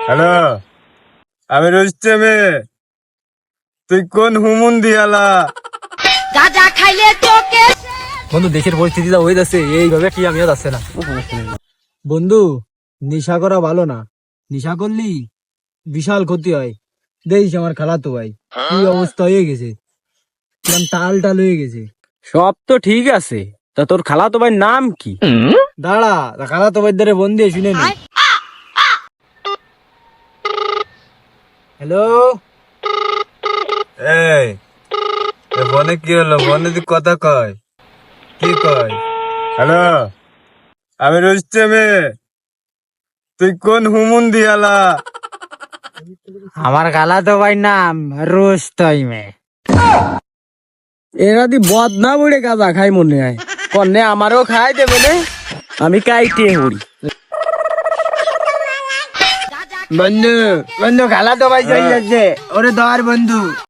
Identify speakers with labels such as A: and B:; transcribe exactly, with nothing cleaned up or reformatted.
A: Hello, আমি রুস্তেমে। তুই কোন হুমুন দিয়ালা?
B: গাঁজা খাইলে চোখে
C: বন্ধু দেশের পরিস্থিতি যা হয়ে যাচ্ছে এইভাবে কি আমিও যাচ্ছে না বন্ধু। নেশা করা ভালো না, নেশা করলি বিশাল ক্ষতি হয়। দেখিস আমার খালাতো ভাই কি অবস্থা হয়ে গেছে, কিরম টাল টাল হয়ে গেছে।
D: সব তো ঠিক আছে, তা তোর খালাতো ভাইয়ের নাম কি?
C: দাঁড়া, খালাতো ভাই ধরে বন্ধু শুনে নি। হ্যালো,
A: এই এ বনে কি হলো? বনে তুই কথা কয়, কি কয়? হ্যালো, আমি রুস্তেমে। তুই কোন হুমুন দিয়ালা?
D: আমার খালাতো ভাই নাম রোস্তইমে। এরা দি বদনা বুড়ে গাঁজা খাই মনে হয়, কন্যা আমারও খাই দেবে নে, আমি কাইটে হরি।
C: বন্ধু বন্ধু খালাতো ভাই চলে যাচ্ছে, ওরে ধর বন্ধু।